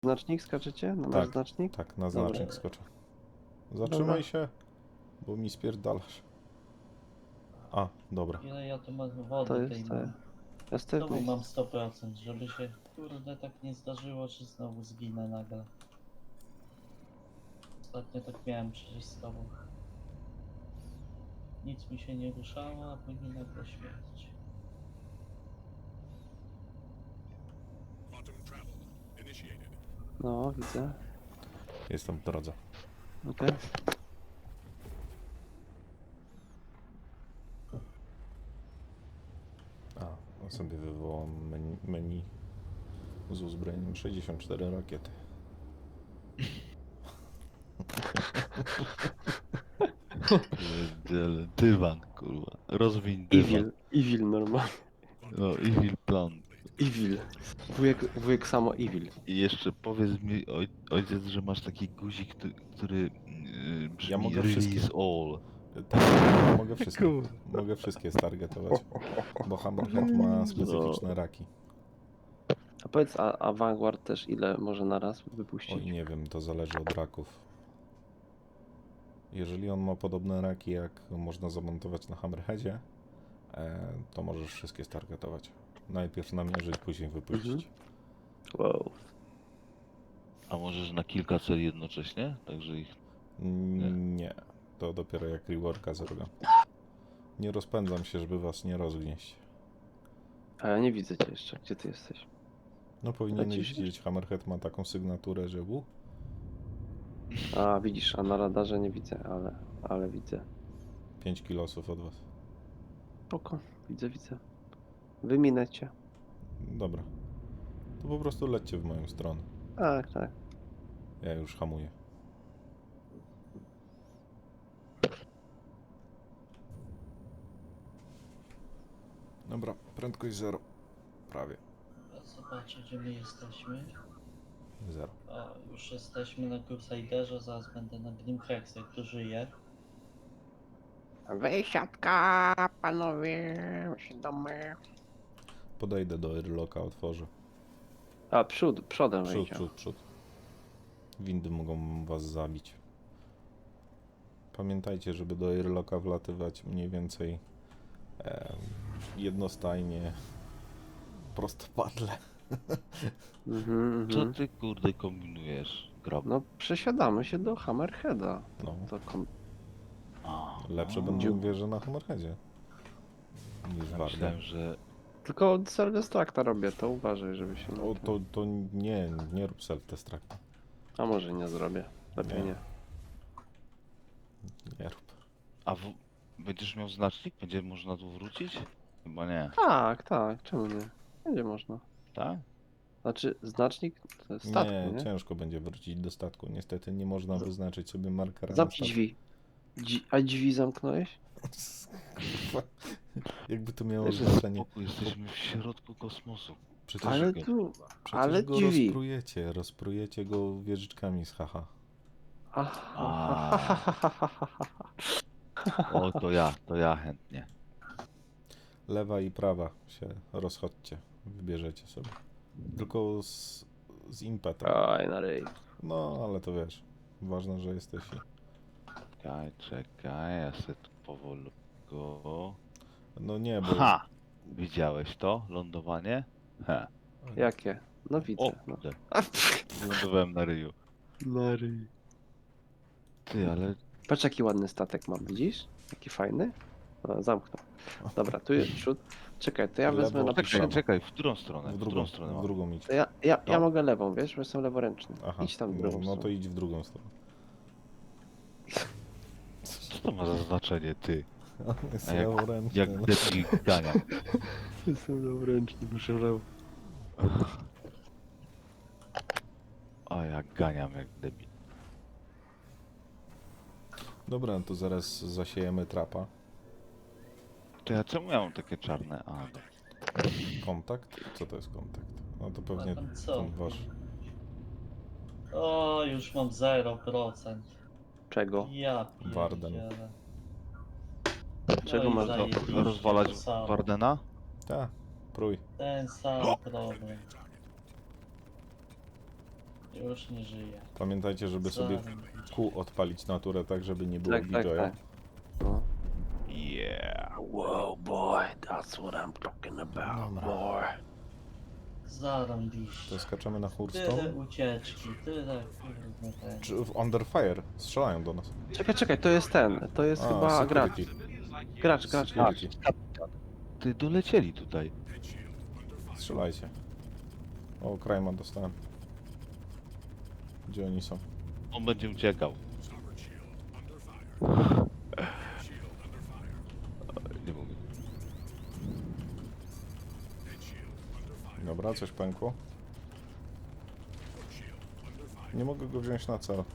Znacznik skaczecie? Na nasz Tak, znacznik? tak, na Dobra. znacznik skoczę. Zatrzymaj się, bo mi spierdalasz. A, dobra. Ile ja tu mam To wody tej jest, mam? Następny Znowu jest. mam 100%, żeby się kurde tak nie zdarzyło, że znowu zginę nagle. Ostatnio tak miałem przecież z tobą. Nic mi się nie ruszało, a później nagle śmierć. No, widzę. Jestem w drodze. Okej. A, sobie wywołam menu z uzbrojeniem 64 rakiety. Pierdziele, dywan, kurwa. Rozwiń dywan. Evil normalnie. No, evil plan. Evil. Wujek samo evil. I jeszcze powiedz mi, ojciec, że masz taki guzik, który brzmi Ja mogę release wszystkie. all. Tak, mogę wszystkie stargetować, bo Hammerhead ma specyficzne raki. A powiedz, a Vanguard też ile może naraz wypuścić? Oj, nie wiem, to zależy od raków. Jeżeli on ma podobne raki, jak można zamontować na Hammerheadzie, to możesz wszystkie stargetować. Najpierw namierzyć, później wypuścić. Wow. A możesz na kilka celi jednocześnie? Także ich... Nie, to dopiero jak reworka zrobię. Nie rozpędzam się, żeby was nie rozgnieść. A ja nie widzę cię jeszcze. Gdzie ty jesteś? No powinieneś Lecisz? widzieć, Hammerhead ma taką sygnaturę, że A, widzisz, a na radarze nie widzę, ale widzę. 5 kilosów od was. Spoko, widzę. Wyminę cię. Dobra. To po prostu lećcie w moją stronę. Tak. Ja już hamuję. Dobra, prędkość 0. Prawie Zobaczę gdzie my jesteśmy. 0. A już jesteśmy na Crusaderze, zaraz będę na Grimhexe, kto żyje. Wysiadka, panowie, domy. Podejdę do airlocka, otworzę. A, przodem Przód, wejdzie. przód. Windy mogą was zabić. Pamiętajcie, żeby do airlocka wlatywać mniej więcej jednostajnie, prostopadle. Co ty, kurde, kombinujesz, grab? No, przesiadamy się do Hammerheada. No, To A, lepsze będą wieże na Hammerheadzie niż ja Warden. myślałem, że... Tylko self-destructa robię, to uważaj, żeby się... O, to nie rób self-destructa. A może nie zrobię. Lepiej Nie. nie. Nie rób. A będziesz miał znacznik? Będzie można tu wrócić? Chyba nie. Tak, czemu nie? Będzie można. Tak? Znaczy, znacznik to jest statku, Nie, nie? ciężko będzie wrócić do statku. Niestety nie można wyznaczyć sobie markera na Zamknij statku. drzwi. A drzwi zamknąłeś? Jakby to miało Też znaczenie. Spokój, jesteśmy w środku kosmosu. Przecież, Ale go- tu... przecież ale go drzwi. rozprujecie go wieżyczkami z haha. O, to ja chętnie. Lewa i prawa się rozchodźcie. Wybierzecie sobie. Tylko z impetem. Aj, na ryj. No, ale to wiesz. Ważne, że jesteś i... Czekaj, ja se tu powolutku... No nie, bo... Ha! Widziałeś to? Lądowanie? He. Jakie? No O, widzę. No. kurde. Lądowałem na ryju. Na ryj. Ty, ale... Patrz jaki ładny statek mam, widzisz? Jaki fajny? No, zamknął. Dobra, tu jest przód. Czekaj, to ja Lewo, wezmę na tak, przód. Czekaj, w którą stronę? w którą stronę w mam? drugą idź. To ja No. mogę lewą, wiesz, bo jestem leworęczny. Aha, Idź tam w no, drugą no to stronę. idź w drugą stronę. Co to ma za znaczenie, ty? On jest A jak- leworęczny, Jak no. debil gania. Jestem leworęczny, muszę lewo. A jak ganiam jak debil. Dobra, to zaraz zasiejemy trapa. To ja czemu ja mam takie czarne? A, no. Kontakt? Co to jest kontakt? No to pewnie A tam co? ten wasz. O, już mam 0%. Czego? Ja Warden. pierdzielę. Czego i masz zajebiście, Rozwalać to samo. Wardena? Ta, prój. Ten sam problem. Już nie żyje. Pamiętajcie, żeby sobie kół odpalić naturę tak, żeby nie było Tak, tak, BJ-a. tak. No. Yeah. Wow, boy, that's what I'm talking about, Dobra. boy. Zarąbiście. To skaczemy na Tyle Hurstone. ucieczki, tyle kurde ten. Czy w Under Fire strzelają do nas? Czekaj, to jest ten. To jest chyba gracz. security. Gracz. Security. Ty dolecieli tutaj. Strzelajcie. O, Krajma dostałem. Gdzie oni są? On będzie uciekał. Nie mogę. Dobra, coś pękło. Nie mogę go wziąć na cel.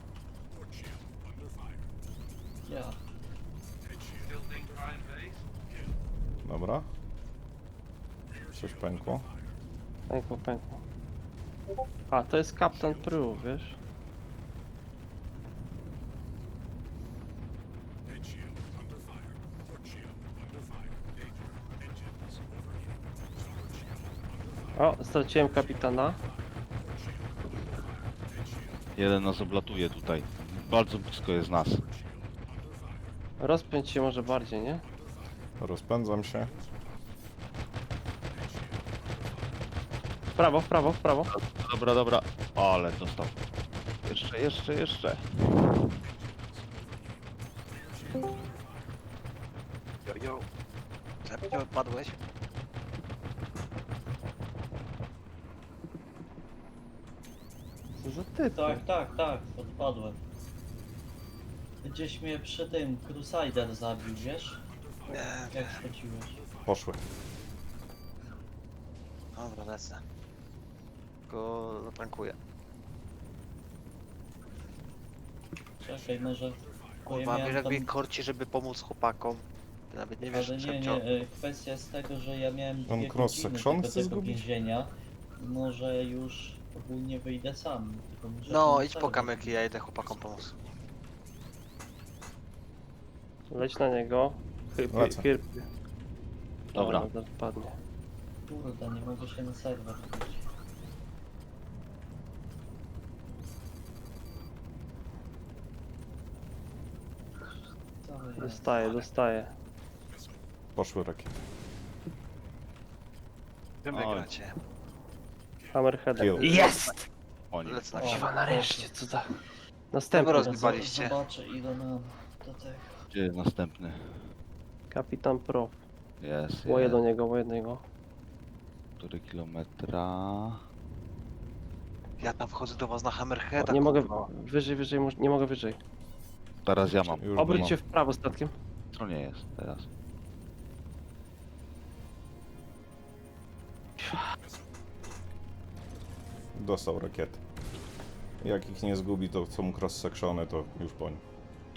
Ja. Dobra. Coś pękło. Pękło. A, to jest Captain Prue, wiesz? O, straciłem kapitana. Jeden nas oblatuje tutaj. Bardzo blisko jest nas. Rozpędź się może bardziej, nie? Rozpędzam się. W prawo. Dobra. Ale dostał. Jeszcze. Jo. Zabijał, padłeś? Co za ty? Tak, odpadłem. Gdzieś mnie przy tym Crusader zabił, wiesz? Nie, Jak schodziłeś. Poszły. dobra, lecę. Go zatankuję. Czekaj, może... bo ja Kurwa, miałem wiesz jak tam- mnie korci, żeby pomóc chłopakom. Ty nawet nie wiesz, Ale że nie, kwestia jest tego, że ja miałem On 2 cross godziny section tego, chce tego zgubić? więzienia. Może już ogólnie wyjdę sam. Tylko muszę No, ten idź po serwer kamyki, ja idę chłopakom pomóc. Leć na niego. Lecę. Hirpie. Dobra. O, zaraz padnie. Kurde, nie mogę się na serwer wbić. Co jest? Dostaję. Poszły rakiety. Wy Oj. wygracie. Hammerheadem. Kill. Jest! Lecę na O. siebie. Chyba nareszcie, co za... Tego Następny. rozgrywaliście. Zobaczę ile mam do tego. Gdzie jest następny? Kapitan Pro. Jest. Łoję do niego. Który kilometra? Ja tam wchodzę do was na Hammerheada, Nie mogę kurwa. wyżej, nie mogę wyżej. Teraz ja mam. Już Obróć mam. się w prawo statkiem. Co nie jest teraz? Dostał rakiety. Jak ich nie zgubi, to są cross-sectiony, to już po nim.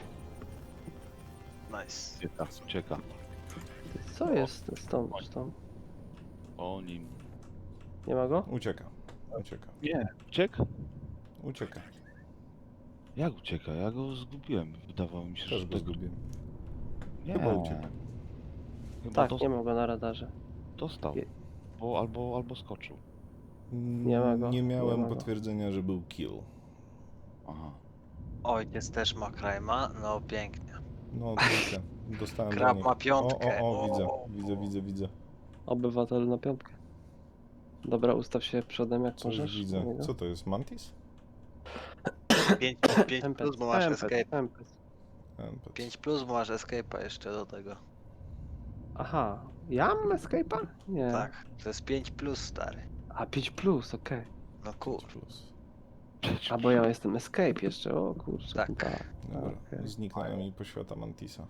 Nice. Ucieka. Co jest stąd? O nim. Nie ma go? Ucieka. Nie. Uciekł? Ucieka. Jak ucieka? Ja go zgubiłem. Wydawało mi się, Też że go to... zgubiłem. Nie. Chyba uciekł. Chyba Tak, nie ma go na radarze. dostał. Je- Albo skoczył. Nie ma go, Nie nie miałem ma go. potwierdzenia, że był kill. Aha. Ojciec też ma Krajma, no pięknie. No trochę. Dostałem Krab do nich. ma piątkę. Widzę. Obywatel na piątkę. Dobra, ustaw się przodem jak Coś możesz. widzę. do niego. Co to jest? Mantis? 5 Empet, plus, bo masz escape. empet. 5 plus, bo masz escape'a jeszcze do tego. Aha, ja mam escape'a? Nie. Tak, to jest 5 plus, stary. A 5 plus, okej. No kur... Plus. A bo ja jestem escape jeszcze, o kurczę. Tak. Dobra. Okej. Zniknęła mi poświata Mantisa.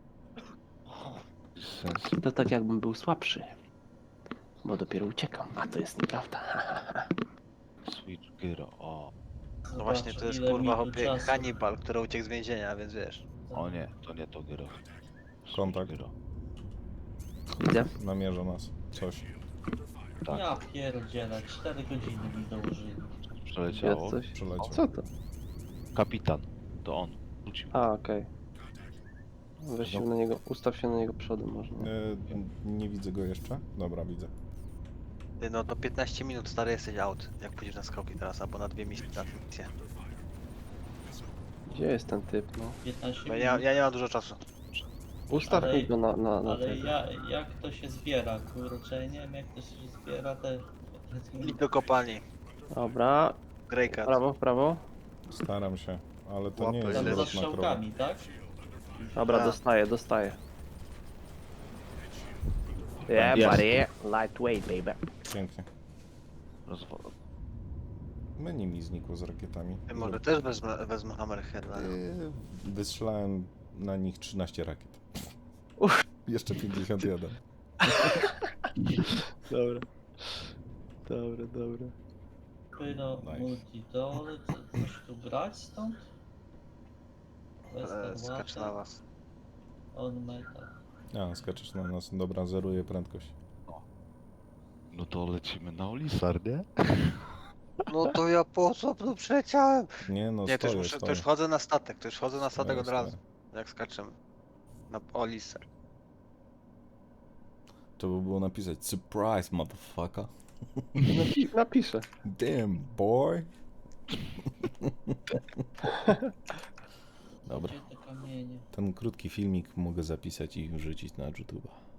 Sens. To tak jakbym był słabszy. Bo dopiero uciekam, a to jest nieprawda. Switch Gyro. O. No właśnie, to jest ile kurwa mi tu hopie czasu. Hannibal, który uciekł z więzienia, więc wiesz. O nie, to nie to Gyro. Switch Kontakt. Gyro. Widzę. Namierza nas. Coś. Tak. Ja pierdzielę, 4 godziny mi dołożyli. Przeleciało. Jest coś. Przeleciał. Co to? Kapitan. To on. Wrócił. A, okej. Weź się na niego, ustaw się na niego przodem można. Nie widzę go jeszcze. Dobra, widzę. Ty no, do 15 minut stary jesteś out, jak pójdziesz na skałki teraz, albo na 2 misje. Gdzie jest ten typ, no? 15 Bo minut. ja nie mam dużo czasu. Ustaw Ale- mi go na Ale tego. jak to się zbiera, kurczę, nie wiem jak to się zbiera te... Idź do kopalni. Dobra, Greycat. w prawo. Staram się, ale to nie Łapy. jest Tam za zwrot na krowę. strzałkami, tak? Dobra, Tak. dostaję. Yeah, Jest. buddy. Lightweight, baby. Pięknie. Rozwój. Menu mi znikło z rakietami. Ty może też wezmę Hammerheada. Wystrzelałem na nich 13 rakiet. Uff. Jeszcze 51. Dobra. Dobra. Pyro, Nice. multidole, coś tu brać stąd? Skacz na was. On metal. A, skaczesz na nas. Dobra, zeruję prędkość. No to lecimy na Olisar, nie? No to ja po co tu przyleciałem? Nie no, Nie, to już, stoję, muszę, to stoję. już wchodzę na statek, to już wchodzę na statek Stoję, od razu. stoję. Jak skaczemy. Na Olisę. To by było napisać surprise, motherfucker. Napiszę. Damn, boy. Dobra, Gdzie te kamienie? ten krótki filmik mogę zapisać i wrzucić na YouTube'a.